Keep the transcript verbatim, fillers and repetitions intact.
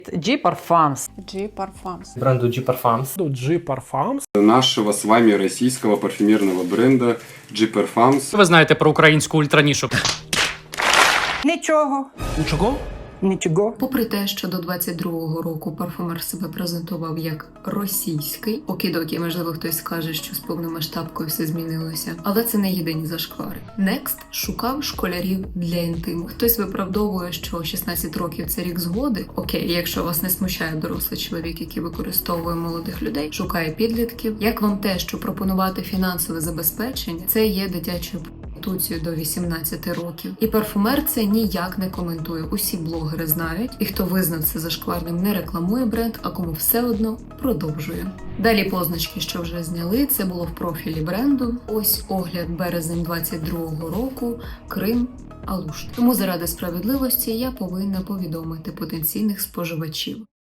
G Parfums. G Parfums. Бренду G Parfums. G Parfums. Нашего с вами российского парфюмерного бренда G Parfums. Ви знаєте про українську ультранішу. Нічого. Нічого? Нічого. Попри те, що до двадцять другого року парфумер себе презентував як російський, окідокі, можливо, хтось скаже, що з повномасштабкою все змінилося, але це не єдині зашквари. Next шукав школярів для інтиму. Хтось виправдовує, що шістнадцять років – це рік згоди. Окей, якщо вас не смущає дорослий чоловік, який використовує молодих людей, шукає підлітків. Як вам те, що пропонувати фінансове забезпечення – це є дитячою проституцією до вісімнадцяти років. І парфумер це ніяк не коментує. Усі блогери знають, і хто визнав це зашкварним, не рекламує бренд, а кому все одно продовжує. Далі позначки, що вже зняли, це було в профілі бренду. Ось огляд березень двадцять другого року, Крим, Алушт. Тому заради справедливості я повинна повідомити потенційних споживачів.